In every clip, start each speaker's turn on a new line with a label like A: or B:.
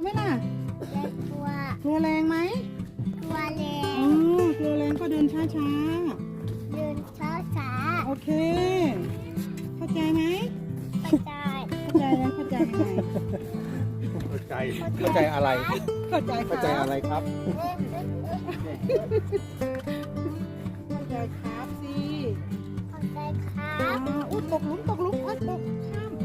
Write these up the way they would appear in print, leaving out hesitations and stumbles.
A: มล่ะ
B: กลัว
A: กลัวแรงไหม
B: กลัวแร
A: อ๋
B: ง
A: อกลัวแรงก็เดินช้า
B: เดินช้าช้า
A: ๆโอเค เข้าใจไหม
B: ไปได้
A: เข้าใจแล้วเข้าใจยังไง
C: เข้าใจเข้าใจอะไร
A: เข้าใจ
C: เข้าใจอะไรครับ
A: เข้าใจครับสิ
B: เข้าใจครั
A: อ๋
B: บ
A: ออุ้ยตกหลุมอุ้ยตกข้าม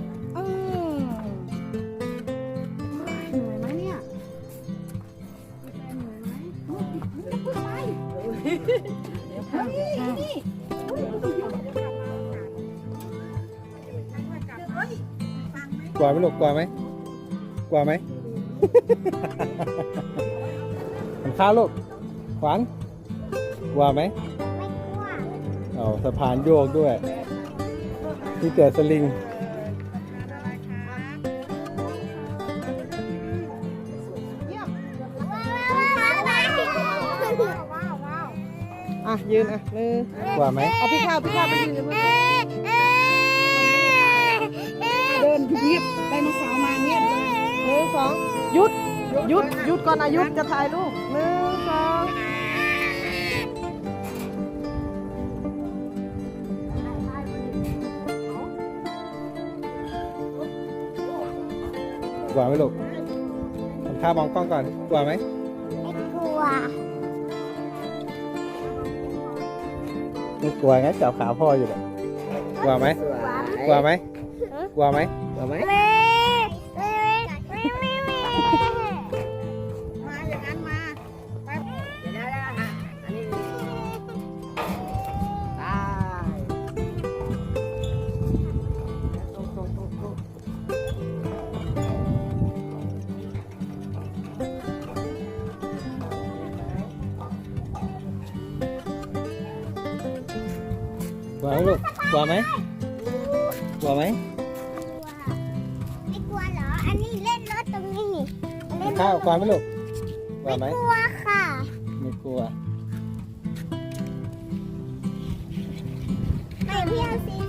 A: เหนื่อยไหมเนี่ยเหนื่อยไหมจะพูดไปเฮ้ยนี่
C: กลัวไหมลูกกลัวไหมกลัวไหม ข้าวลูกขวัญกลัวไหม
B: ไม่กลัว
C: เอาสะพานโยกด้วยที่เกิดสลิง
A: อ่ะยืนอ่ะมือก
C: ลัวไหม
A: เอาพี่ข้าวไปยืนเลยเดินเงียบไดโนเสาร์มาเงียบเลย1 2หยุดก่อนอายุจะถ่ายรูป1 2
C: กลัวไหมลูกทำท่ามองกล้องก่อนกลัวไหม
B: ไม่กลัว
C: ไม่กลัวงั้นจับขาพ่ออยู่เลยกลัวไหมกลัวไหมกลัวไหมกลัวไหม
B: ไม่
A: มาอย่างนั้นมาไปเดี๋ยวได้ฮะอันนี้ตายตรง
C: กลัวไหมลูกกลัวไหมกลัวไหม
B: ไม่กลัวเหรอ อันนี้เล่นรถตรงนี้นี่เล่น
C: ข้าวกลัวไหมลูกกลัวไหม
B: กลัวค่ะ
C: ไม่กลัว
B: ไม่พี่เอาสี